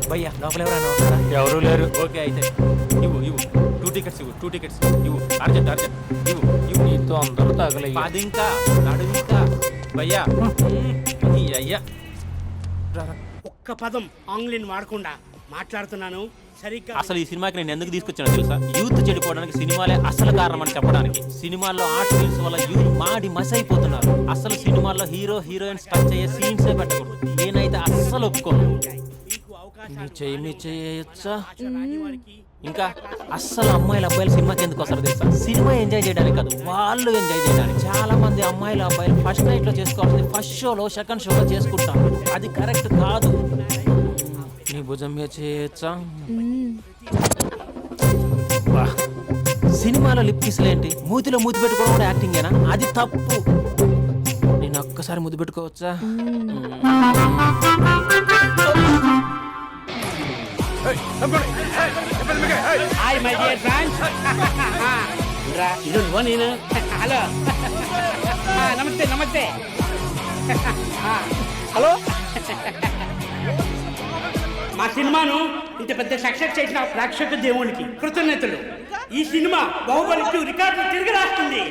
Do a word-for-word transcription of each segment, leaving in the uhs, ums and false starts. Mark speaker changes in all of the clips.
Speaker 1: భయ్యా లోపల ఎవరైనా ఉన్నారా?
Speaker 2: ఎవరూ లేరు.
Speaker 1: ఓకే అయితే ఇవ్వు ఇవ్వు టూ టికెట్స్ ఇవ్వు టూ టికెట్స్ ఇవ్వు అర్జెంట్ అర్జెంట్ ఇవ్వు ఇవ్వు
Speaker 2: నీతో అందరూ తగలయ్య.
Speaker 1: పది ఇంకా నడుము ఇంకా భయ్యా ఈ అయ్యా
Speaker 3: ఒక్క పదం ఆంగ్లీన్ వాడకుండా మాట్లాడుతున్నాను సరిగ్గా.
Speaker 1: అసలు ఈ సినిమాకి నేను ఎందుకు తీసుకొచ్చానో తెలుసా? యూత్ చెడిపోవడానికి సినిమాలే అసలు కారణం అని చెప్పడానికి. సినిమాల్లో ఆర్ట్ ఫిల్మ్స్ వల్ల యూత్ మాడి మస్ అయిపోతున్నారు. అసలు సినిమాల్లో హీరో హీరోయిన్స్ టచ్ అయ్యే సీన్సే పెట్టకూడదు. నేనైతే అస్సలు ఒప్పుకోను.
Speaker 3: మీకు అవకాశం
Speaker 1: మీ చెయ్యి మీ చేయొచ్చా? ఇంకా అస్సలు అమ్మాయిలు అబ్బాయిలు సినిమాకి ఎందుకు వస్తారు తెలుసా? సినిమా ఎంజాయ్ చేయడానికి కాదు, వాళ్ళు ఎంజాయ్ చేయడానికి. చాలా మంది అమ్మాయిలు అబ్బాయిలు ఫస్ట్ నైట్ లో చేసుకోవాల్సింది ఫస్ట్ షోలో సెకండ్ షోలో చేసుకుంటాం. అది కరెక్ట్ కాదు. నీ భుజం మీద చేయొచ్చా? బా. సినిమాలో లిప్ కిస్లేంటి? మూతిలో మూతి పెట్టుకోవడం కూడా యాక్టింగేనా? అది తప్పు. నేను ఒక్కసారి ముద్దు పెట్టుకోవచ్చా?
Speaker 3: Hi my dear friends. ఇది నువ్వు నేను. హలో నమస్తే నమస్తే. హలో. మా సినిమాను ఇంత పెద్ద సక్సెస్ చేసిన ప్రేక్షక దేవునికి కృతజ్ఞతలు. ఈ సినిమా బాహుబలి టూ రికార్డులు తిరిగి రాస్తుంది.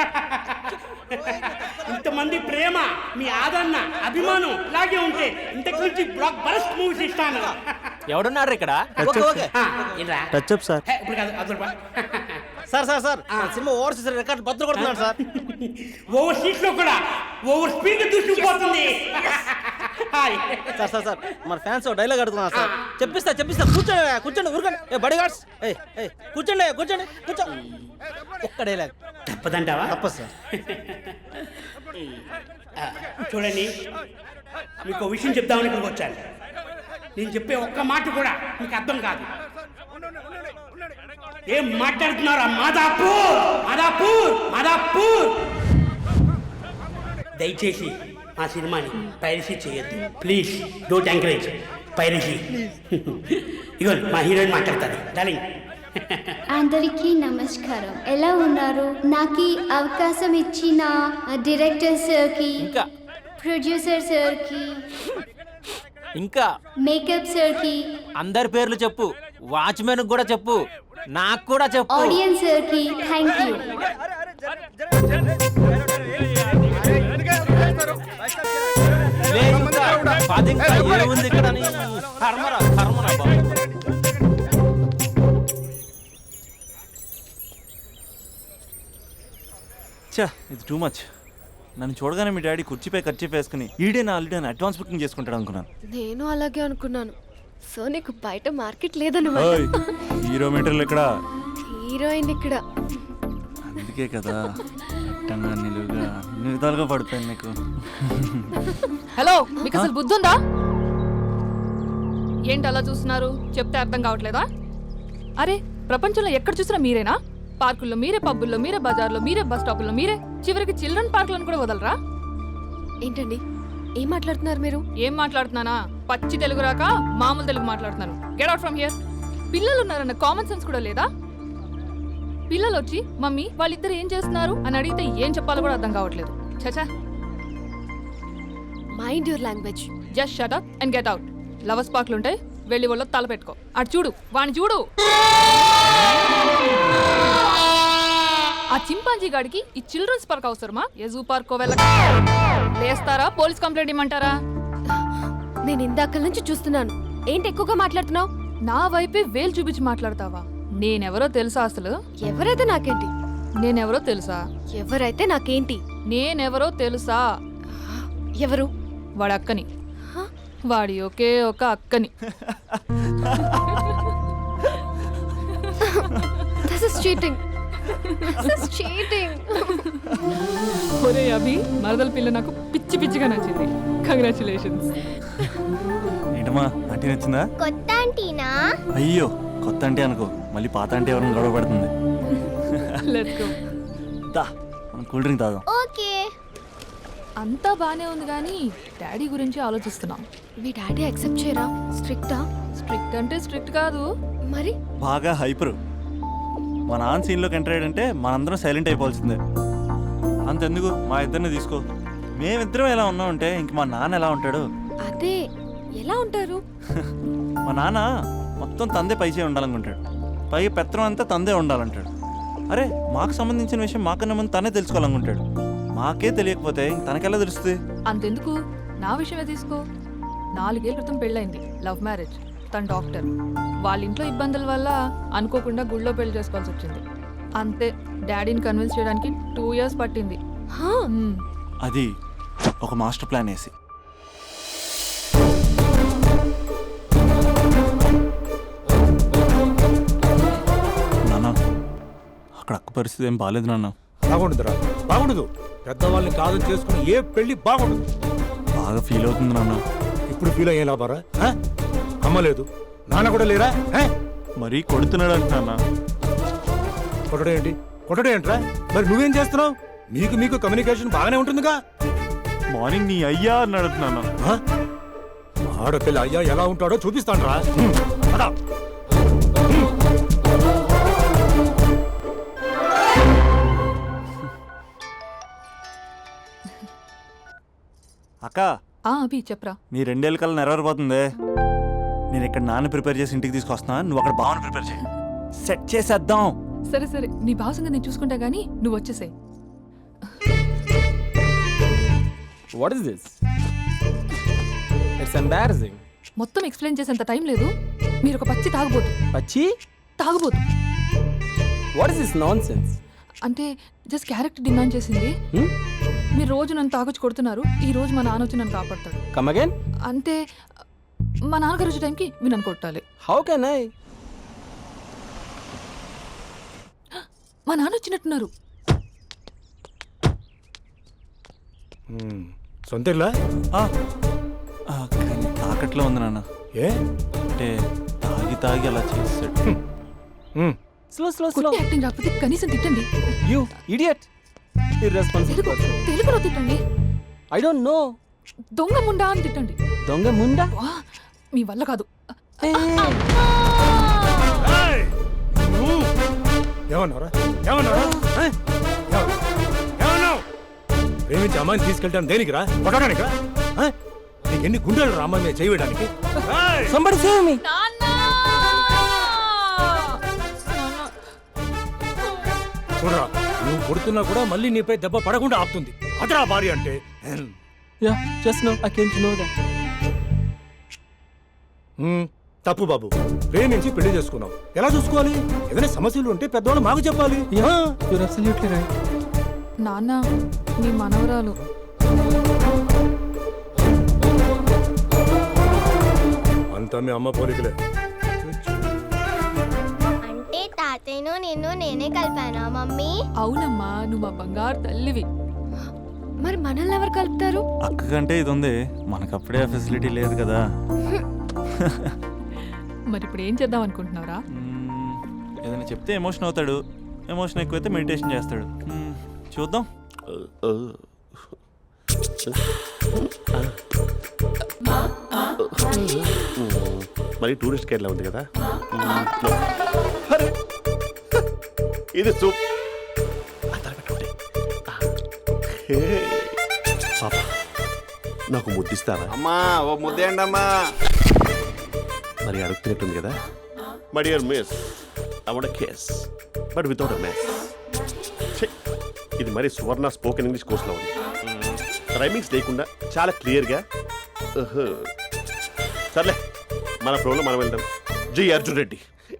Speaker 3: ఇంతమంది ప్రేమ, మీ ఆదరణ, అభిమానం ఇలాగే ఉంటే ఇంతకు నుంచి బ్లాక్ బరస్ట్ మూవీస్ ఇస్తాను.
Speaker 1: ఎవడున్నారు ఇక్కడ?
Speaker 4: Touch up sir.
Speaker 3: ఇప్పుడు కాదు అదొక
Speaker 4: sir sir sir cinema overseas record బద్దలు కొడుతున్నాడు సార్.
Speaker 3: ఓవర్ సీట్ లో కూడా ఓవర్ స్పీడ్ దూసుకుపోతుంది.
Speaker 4: సార్ సార్ సార్ మన ఫ్యాన్స్ డైలాగ్ అడుగుతున్నారు సార్. చెప్పిస్తా చెప్పిస్తా కూర్చోండి కూర్చోండి ఊరుకోండి. ఏ బడి గార్డ్స్ ఏ ఏ కూర్చోండి కూర్చోండి కూర్చో. ఒక్క డైలాగ్
Speaker 3: తప్పదంటావా?
Speaker 4: తప్పదు సార్.
Speaker 3: చూడండి, మీకు విషయం చెప్దామని ఇక్కడికి వచ్చాను. నేను చెప్పే ఒక్క మాట కూడా మీకు అర్థం కాదు. ఏం మాట్లాడుతున్నారా? మాదాపూర్ మాదాపూర్ మాదాపూర్. దయచేసి మా సినిమాని పైరసీ చేయొద్దు ప్లీజ్. Don't encourage piracy. ఇగో మా హీరోయిన్ మాట్లాడతారు. డార్లింగ్.
Speaker 5: అందరికీ నమస్కారం. ఎలా ఉన్నారు? నాకు ఈ అవకాశం ఇచ్చిన డైరెక్టర్ సార్కి,
Speaker 1: ఇంకా
Speaker 5: ప్రొడ్యూసర్ సార్కి,
Speaker 1: ఇంకా
Speaker 5: మేకప్ సార్కి,
Speaker 1: అందరి పేర్లు చెప్పు. వాచ్మెన్ కూడా చెప్పు, నాకు కూడా చెప్పు.
Speaker 5: ఆడియన్స్ సార్కి థ్యాంక్ యూ.
Speaker 1: లే ఇంకా, పది ఇంకా ఏముంది ఇక్కడ అని. కర్మరా కర్మరా బాబు.
Speaker 6: చా ఇది టూ మచ్. నన్ను చూడగానే మీ డాడీ కుర్చీపై ఖర్చు వేసుకుని ఈడే నా ఆల్రెడీ అని అడ్వాన్స్ బుకింగ్ చేసుకుంటాడు అనుకున్నాను.
Speaker 7: నేను అలాగే అనుకున్నాను. సో నీకు బయట మార్కెట్ లేదన్నమాట.
Speaker 6: ఓయ్, హీరో మీటర్లు ఇక్కడ,
Speaker 7: హీరోయిన్ ఇక్కడ.
Speaker 6: అందుకే కదా అట్టంగా నిలువుగా అన్ని విధాలుగా పడిపోయాను నీకు.
Speaker 8: హలో, మీకు అసలు బుద్ధి ఉందా? ఏంటి అలా చూస్తున్నారు? చెప్తే అర్థం కావట్లేదా? అరే, ప్రపంచంలో ఎక్కడ చూసినా మీరేనా? పార్కుల్లో మీరే, పబ్బుల్లో మీరే, బజార్లో మీరే, బస్ స్టాపుల్లో మీరే, చివరికి చిల్డ్రన్ పార్కులను కూడా వదలరా?
Speaker 7: ఏంటండి ఏం మాట్లాడుతున్నారు మీరు?
Speaker 8: ఏం మాట్లాడుతున్నానా? పచ్చి తెలుగు రాక మామూలు తెలుగు మాట్లాడుతున్నాను. Get out from here. పిల్లలు ఉన్నారన్న కామన్ సెన్స్ కూడా లేదా? పిల్లలు వచ్చి మమ్మీ వాళ్ళిద్దరు ఏం చేస్తున్నారు అని అడిగితే ఏం చెప్పాలో కూడా అర్థం కావట్లేదు. చచా.
Speaker 7: Mind your language.
Speaker 8: Just shut up and get out. Lovers పార్క్లు ఉంటాయి, వెళ్ళి వాళ్ళ తల పెట్టుకో. అటు చూడు, వాణ్ణి చూడు. ఆ చింపాంజీ గాడికి ఈ చిల్డ్రన్స్ పార్క్ అవసరమా? ఏ జూ పార్కో వెళ్ళక లేస్తారా? పోలీస్ కంప్లైంట్ ఇమ్మంటారా?
Speaker 7: నేను ఇందాక నుంచి చూస్తున్నాను. ఏంటి ఎక్కువగా మాట్లాడుతున్నావు?
Speaker 8: నా వైపే వేలు చూపించి మాట్లాడతావా? నేనెవరో తెలుసా? అసలు
Speaker 7: ఎవరైతే నాకేంటి?
Speaker 8: నేనెవరో తెలుసా?
Speaker 7: ఎవరైతే నాకేంటి?
Speaker 8: నేనెవరో తెలుసా?
Speaker 7: ఎవరు?
Speaker 8: వాడి అక్కని. వాడి ఒకే ఒక అక్కని.
Speaker 7: This is cheating. This is cheating.
Speaker 8: ఒరే అభి, మరదల పిల్ల నాకు పిచ్చి పిచ్చిగా నచ్చింది. కంగ్రాచులేషన్స్.
Speaker 6: ఏంటమ్మా ఆంటీ నచ్చిందా?
Speaker 5: కొత్త ఆంటీనా?
Speaker 6: అయ్యో కొత్త అంటే అనుకో, మళ్ళీ పాత అంటే ఎవరైనా గొడవ పడుతుంది.
Speaker 8: Let's go.
Speaker 6: దా మనం కూల్ డ్రింక్ తాదాం.
Speaker 5: ఓకే.
Speaker 8: అంతా బానే ఉంది కానీ డాడీ గురించి ఆలోచిస్తున్నాం.
Speaker 7: మీ డాడీ యాక్సెప్ట్ చేయరా? స్ట్రిక్టా?
Speaker 8: స్ట్రిక్ట్ అంటే స్ట్రిక్ట్ కాదు
Speaker 7: మరి.
Speaker 6: బాగా హైపర్. మా నాన్న సీన్లోకి ఎంటర్ అయ్యాడంటే మనందరం సైలెంట్ అయిపోవాల్సిందే. అంతెందుకు మా ఇద్దరిని తీసుకో, మేమిద్దరం ఎలా ఉన్నామంటే ఇంక మా నాన్న ఎలా ఉంటాడు?
Speaker 7: అదే ఎలా ఉంటారు?
Speaker 6: మా నాన్న మొత్తం తందే పైచే ఉండాలనుకుంటాడు. పై పెత్తనం అంతా తందే ఉండాలంటాడు. అరే మాకు సంబంధించిన విషయం మాకన్నా ముందు తనే తెలుసుకోవాలనుకుంటాడు. మాకే తెలియకపోతే తనకెలా తెలుస్తుంది?
Speaker 8: అంతెందుకు, నా విషయమే తీసుకో. నాలుగేళ్ల క్రితం పెళ్ళైంది, లవ్ మ్యారేజ్. తన డాక్టర్. వాళ్ళ ఇంట్లో ఇబ్బందుల వల్ల అనుకోకుండా గుళ్ళో పెళ్లి చేసుకోవాల్సి వచ్చింది. అంతే, డాడీని కన్విన్స్ చేయడానికి టూ ఇయర్స్ పట్టింది.
Speaker 7: హా,
Speaker 8: మ్మ్.
Speaker 6: అది ఒక మాస్టర్ ప్లాన్ వేసి. నాన్న అక్కడ అక్క పరిస్థితి ఏం బాగాలేదు నాన్న.
Speaker 2: బాగుండదురా, బాగుండదు. పెద్దవాళ్ళని కాదని చేసుకుని ఏ పెళ్లి బాగుండదు.
Speaker 6: బాగా ఫీల్ అవుతుంది నాన్న.
Speaker 2: ఇప్పుడు ఫీల్ అయ్యే లాభారా? ఆ? అమ్మ లేదు, నాన్న కూడా లేరా? ఆ?
Speaker 6: మరీ కొడుతున్నాడు అంట నాన్న.
Speaker 2: కొట్టడం ఏంటి? కొట్టడం ఏంట్రా? మరి నువ్వేం చేస్తున్నావు? మీకు మీకు కమ్యూనికేషన్ బాగానే ఉంటుందిగా.
Speaker 6: మార్నింగ్ నీ అయ్యా అన్నాడు నాన్న.
Speaker 2: ఆ? ఆడపిల్ల అయ్యా ఎలా ఉంటాడో చూపిస్తాను రా.
Speaker 6: అక్క
Speaker 8: ఆ అభి చెప్పరా.
Speaker 6: నీ రెండేళ్ళ కల్లా నెరవేరిపోతుంది. నేను ఇక్కడ నాన్న ప్రిపేర్ చేసి ఇంటికి తీసుకొస్తున్నా, నువ్వు అక్కడ బావని ప్రిపేర్ చేయి. సెట్ చేసేద్దాం.
Speaker 8: సరే సరే, నీ భావసంగా నేను చూసుకుంటా గానీ నువ్వు వచ్చేసాయి.
Speaker 9: What is this? It's embarrassing.
Speaker 8: మొత్తం ఎక్స్ప్లెయిన్ చేసేంత టైం లేదు. మీరు ఒక పచ్చి తాగుబోతు.
Speaker 9: Pachi?
Speaker 8: తాగుబోతు
Speaker 9: What is this nonsense?
Speaker 8: అంటే జస్ట్ క్యారెక్టర్ డిమాండ్ చేసింది.
Speaker 9: Hmm?
Speaker 8: మీరు రోజు నన్ను తాగొచ్చి కొడుతున్నారు, ఈ రోజు మా నాన్న వచ్చి నన్ను కాపాడతాడు.
Speaker 9: Come again?
Speaker 8: అంటే మా నాన్నగారు వచ్చే టైంకి మీరు నన్ను కొట్టాలి.
Speaker 9: How can I?
Speaker 8: మా నాన్న వచ్చినట్టున్నారు.
Speaker 2: సొంత ఇల్లా?
Speaker 6: ఆ, ఆ, కానీ తాకట్లో ఉంది నాన్న.
Speaker 2: ఏ?
Speaker 6: అంటే తాగి తాగి అలా చేస్తాడు.
Speaker 2: ఉమ్.
Speaker 9: Slow, slow, slow.
Speaker 8: కొట్టి యాక్టింగ్ రాకపోతే కనీసం తిట్టండి.
Speaker 9: You idiot. Irresponsible
Speaker 8: Telugu
Speaker 9: person.
Speaker 8: తెలుగులో తిట్టండి.
Speaker 9: I don't know.
Speaker 8: దొంగ ముండా అని తిట్టండి.
Speaker 9: Donga munda?
Speaker 8: వా, మీ వల్ల కాదు.
Speaker 9: Hey.
Speaker 2: ఏయ్! నువ్వు ఏమన్నావురా? ఏమన్నావురా? ఆ? ఏమన్నావు? ఏమన్నావు? ప్రేమించి అమ్మాయిని తీసుకెళ్తాను దేనికిరా? కొట్టడానికిరా? ఆ? నీకు ఎన్ని గుండెలు రా అమ్మాయి మీద చేయడానికి?
Speaker 9: Somebody save me.
Speaker 2: చూడరా, నువ్వు కొడుతున్నా కూడా మళ్ళీ నీపై దెబ్బ పడకుండా ఆపుతుంది. అదరా భార్య అంటే.
Speaker 9: Yeah, just now I came to know that.
Speaker 2: ఉమ్, తప్పు బాబు. ప్రేమించి పెళ్లి చేసుకున్నావు. ఎలా చూసుకోవాలి? ఏదైనా సమస్యలు ఉంటే పెద్దవాళ్ళు మాకు చెప్పాలి.
Speaker 9: Yeah, you're absolutely right.
Speaker 8: నాన్న, మీ మనవరాలు.
Speaker 2: అంతా మీ అమ్మ పోలికలే.
Speaker 5: అంటే తాతయ్యను నిన్ను నేనే కలిపానా మమ్మీ?
Speaker 8: అవునమ్మా, నువ్వు మా బంగారు తల్లివి.
Speaker 7: మరి మనల్ని ఎవరు కలుపుతారు?
Speaker 6: అక్క కంటే ఇది ఉంది, మనకప్పుడే ఆ ఫెసిలిటీ లేదు కదా.
Speaker 8: మరి ఇప్పుడు ఏం చేద్దాం అనుకుంటున్నారా?
Speaker 6: మ్మ్, ఏదైనా చెప్తే ఎమోషన్ అవుతాడు. ఎమోషన్ ఎక్కువైతే మెడిటేషన్ చేస్తాడు. మ్మ్, చూద్దాం.
Speaker 10: మరి టూరిస్ట్ గైడ్లా ఉంది కదా. అరే, ఇది సూప్. పాప, నాకు ముద్దిస్తారా?
Speaker 11: అమ్మా ఓ ముద్దేయండి అమ్మా.
Speaker 10: మరి అడుగుతున్నట్టుంది కదా. My dear miss, I want kiss but without a mess. ఇది మరి సువర్ణ స్పోకెన్ ఇంగ్లీష్ కోర్సులో ఉంది. రైమింగ్స్ లేకుండా చాలా క్లియర్గా. సర్లే, మన ప్రోలో మనం వెళ్దాం. జి Arjun Reddy.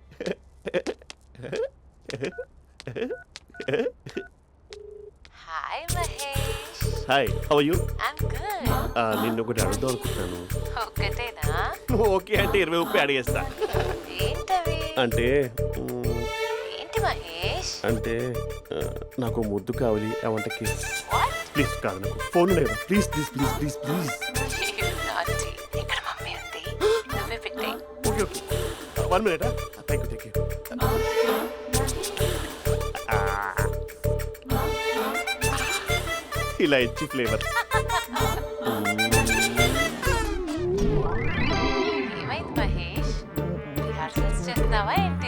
Speaker 12: Hi Mahesh.
Speaker 10: Hi, how are you?
Speaker 12: I'm good.
Speaker 10: నిన్ను ఒకటి అడుగుదాం అనుకుంటున్నాను.
Speaker 12: ఒక్కటేనా?
Speaker 10: నువ్వు ఓకే అంటే ఇరవై ముప్పై అడిగేస్తా.
Speaker 12: ఏంటవి?
Speaker 10: అంటే మ్,
Speaker 12: ఏంటి మహేష్?
Speaker 10: అంటే ఆ, నాకు ముద్దు కావాలి. I want kiss.
Speaker 12: What?
Speaker 10: Please కాదు, నాకు ఫోన్ లేదా? Please please please please please.
Speaker 12: You naughty. ఇక్కడ మమ్మీ ఉంది, నువ్వే పెట్టే.
Speaker 10: Okay okay, one minute. Thank you thank you. ఇలా ఇచ్చి ఫ్లేవర్.
Speaker 12: ఏమైంది మహేష్? రిహార్సల్స్ చేస్తున్నావా ఏంటి?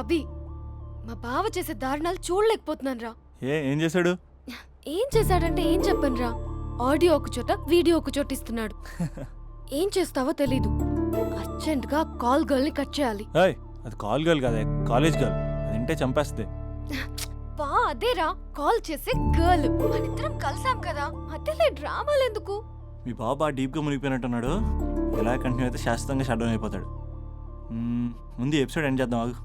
Speaker 7: అభి మా బావ చేసే దారుణాలు చూడలేకపోతున్నాను రా.
Speaker 6: ఏ ఏం చేశాడు?
Speaker 7: ఏం చేశాడంటే ఏం చెప్పను రా. ఆడియో ఒక చోట వీడియో ఒక చోట ఇస్తున్నాడు. ఏం చేస్తావో తెలీదు. అర్జెంట్ గా కాల్ గర్ల్ ని కట్ చేయాలి.
Speaker 6: ఏయ్ అది కాల్ గర్ల్ కాదే, కాలేజ్ గర్ల్. అది వింటే చంపేస్తుంది.
Speaker 7: బా అదేరా కాల్ చేసే గర్ల్. మనిద్దరం కలిసాం కదా, మధ్యలో డ్రామాలు ఎందుకు?
Speaker 6: మీ బాబు బాగా డీప్గా మునిగిపోయినట్టున్నాడు. ఎలా కంటిన్యూ అయితే శాశ్వతంగా షట్ డౌన్ అయిపోతాడు. మ్మ్, ముందు ఎపిసోడ్ ఎండ్ చేద్దాం ఆగు.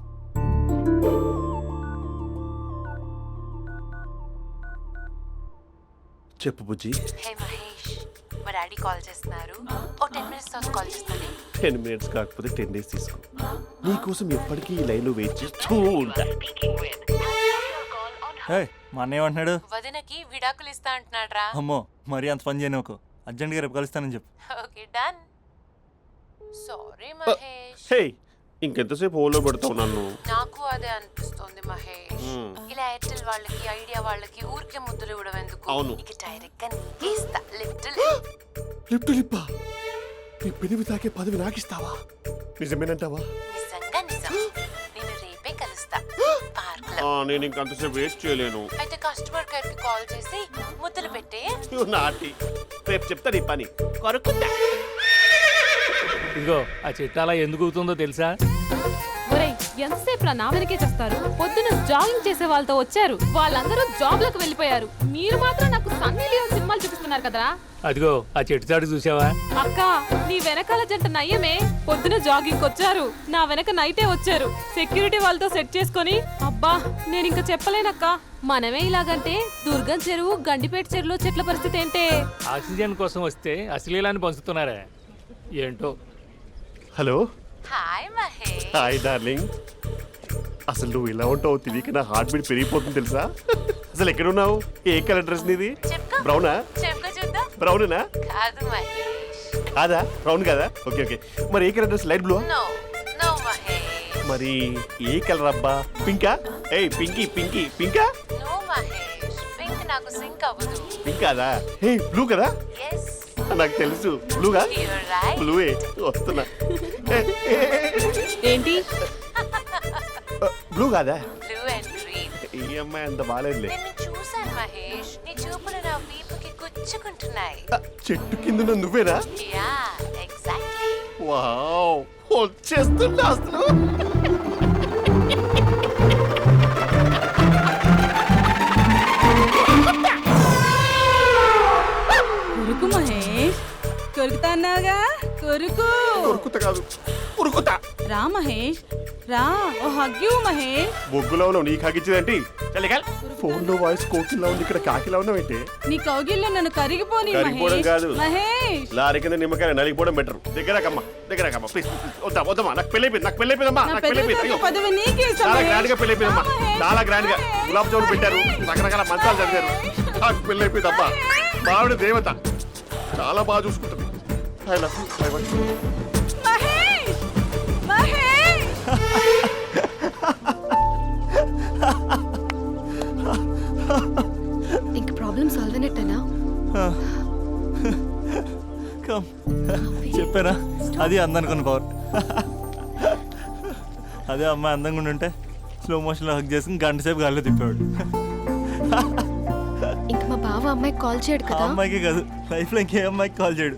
Speaker 10: చెప్పు బుజ్జి.
Speaker 12: హే మహేష్, మా డాడీ కాల్ చేస్తున్నారు. ఓ టెన్ మినిట్స్ తర్వాత కాల్ చేస్తాను.
Speaker 10: టెన్ మినిట్స్ కాకపోతే టెన్ డేస్ తీసుకో. నీకోసం ఎప్పటికీ ఈ లైన్లో వెయిట్ చేస్తూ ఉంటా.
Speaker 6: హే మా అన్నయ్య ఏమంటున్నాడు?
Speaker 12: వదినకి విడాకులు ఇస్తా అంటున్నాడు రా.
Speaker 6: అమ్మో మరీ అంత పని చేయను. ఒక అర్జెంట్గా రేపు కలుస్తానని చెప్పు.
Speaker 12: Okay done. Sorry Mahesh.
Speaker 10: Hey ఇంకెంతసేపు హోల్లో పెడతావు నన్ను?
Speaker 12: నాకు అదే అనిపిస్తుంది మహేష్. ఇలా ఎయిర్టెల్ వాళ్ళకి ఐడియా వాళ్ళకి ఊరికే ముద్దులు ఇవ్వడం ఎందుకు?
Speaker 10: అవును.
Speaker 12: ఇక డైరెక్ట్ గా నీకే ఇస్తా. లిటిల్
Speaker 10: లిప్టు లిప్పా నీ పెనివి తాకే పదవి నాకిస్తావా? నిజమేనంటావా?
Speaker 12: నిజంగా నిజం. నేను రేపే కలుస్తా పార్క్ లో.
Speaker 10: ఆ, నేను ఇంకంతసేపు వెయిట్ చేయలేను.
Speaker 12: అయితే కస్టమర్ కేర్ కి కాల్ చేసి ముద్దులు పెట్టే.
Speaker 10: నువ్వు నాటి రేపు చెప్తా నీ పని. కొరుకుంటా.
Speaker 1: ఇదిగో ఆ చెట్టు అలా ఎందుకు అవుతుందో తెలుసా?
Speaker 8: ఒరేయ్ ఎంతసేపు నా వెనకే చేస్తారు? పొద్దున జాగింగ్ చేసే వాళ్ళతో వచ్చారు, వాళ్ళందరూ జాబ్ లకు వెళ్ళిపోయారు. మీరు మాత్రం నాకు సన్నీ లియోన్ సినిమాలు చూపిస్తున్నారు కదరా.
Speaker 1: అదిగో ఆ చెట్టు చాటు చూసావా?
Speaker 8: అక్క నీ వెనకాల జంట నయ్యమే. పొద్దున జాగింగ్ వచ్చారు, నా వెనక నైటే వచ్చారు. సెక్యూరిటీ వాళ్ళతో సెట్ చేసుకొని అబ్బా నేను ఇంకా చెప్పలేనక్క. మనమే ఇలాగంటే దుర్గం చెరువు గండిపేట చెరువులో చెట్ల పరిస్థితి ఏంటే?
Speaker 1: ఆక్సిజన్ కోసం వస్తే అశ్లీలాన్ని పంచుతున్నారా ఏంటో.
Speaker 10: Hello.
Speaker 12: Hi Mahesh.
Speaker 10: Hi darling. అసలు నువ్వు ఇలా ఉంటావు తెలియక నా హార్ట్ బీట్ పెరిగిపోతుంది తెలుసా? అసలు ఎక్కడ ఉన్నావు? ఏ కలర్ డ్రెస్ నీది?
Speaker 12: చెప్పుకో.
Speaker 10: బ్రౌనా?
Speaker 12: చెప్పుకో చూద్దాం.
Speaker 10: బ్రౌనేనా?
Speaker 12: కాదు మహేష్.
Speaker 10: కాదా? బ్రౌన్ కదా? Okay okay. మరి ఏ colour dress? Light blue?
Speaker 12: No no Mahesh.
Speaker 10: మరి ఏ కలర్ అబ్బా? పింకా? ఏయ్ పింకీ పింకీ పింకా?
Speaker 12: నో మహేష్, పింక్ నాకు సింక్ అవ్వదు.
Speaker 10: పింక్ కాదా? ఏ బ్లూ కదా?
Speaker 12: ఎస్
Speaker 10: నాకు తెలుసు. బ్లూగా?
Speaker 12: You're right.
Speaker 10: బ్లూవే వస్తున్నా.
Speaker 8: ఏంటి
Speaker 10: బ్లూ కాదా?
Speaker 12: Blue and green.
Speaker 10: ఈ అమ్మాయి అంత బాగాలేదులే.
Speaker 12: నిన్ను చూశాను మహేష్, నీ చూపులు నా వీపుకి గుచ్చుకుంటున్నాయి.
Speaker 10: చెట్టు కింద ఉన్న నువ్వేనా?
Speaker 12: Yeah exactly.
Speaker 10: వావ్ వచ్చేస్తున్నా అసలు.
Speaker 11: కొరుకు మహేష్, కొరుకుతా అన్నావుగా, కొరుకు.
Speaker 10: ఉరుకుతా కాదు ఉరుకుతా.
Speaker 11: రా మహేష్ రా, ఓ హగ్గు మహేష్.
Speaker 10: బొగ్గులో ఉన్నావు, నీకు హగించదేంటి? ఫోన్ లో వాయిస్ కోకిలా ఉంది, ఇక్కడ కాకిలా ఉన్నావు ఏంటి?
Speaker 11: నీ కౌగిల్లో నన్ను కరిగిపోని
Speaker 10: కరిగిపోవడం
Speaker 11: మహేష్.
Speaker 10: కాదు.
Speaker 11: మహేష్
Speaker 10: లారీ కింద నిమ్మకాయ నలిగిపోవడం బెటర్. దగ్గరకమ్మా దగ్గరకమ్మా ప్లీజ్. వద్దా వద్దమ్మా, నాకు పెళ్ళి అయిపోయింది, నాకు పెళ్ళి అయిపోయిందమ్మా,
Speaker 11: నా
Speaker 10: నాకు పెళ్ళి అయిపోయింది.
Speaker 11: పెద్ద
Speaker 10: అయ్యో
Speaker 11: పదవి నీకే ఇస్తా
Speaker 10: చాలా
Speaker 11: మహేష్.
Speaker 10: గ్రాండ్ గా పెళ్ళి అయిపోయిందమ్మా,
Speaker 11: రా మహేష్.
Speaker 10: చాలా గ్రాండ్ గా. గులాబ్ జామున్ పెట్టారు, రకరకాల మంచాలు చదివారు, నాకు పెళ్ళి అయిపోయిందమ్మా. మావిడ దేవత, చాలా బాగా చూసుకుంటుంది. I love you. I want you.
Speaker 11: Mahesh Mahesh
Speaker 7: ఇంక ప్రాబ్లం సాల్వ్ అయినట్టేనా?
Speaker 6: కమ్ చెప్పారా, అది అందనుకున్న పవర్. అదే అమ్మాయి అందంగా ఉండుంటే స్లో మోషన్లో హక్ చేసుకుని గంట సేపు గాల్లో తిప్పేవాడు.
Speaker 7: ఇంక మా బావ అమ్మాయికి కాల్ చేయడు
Speaker 6: ఆ
Speaker 7: కదా?
Speaker 6: అమ్మాయికి కాదు, లైఫ్లో ఇంకే అమ్మాయికి కాల్ చేయడు.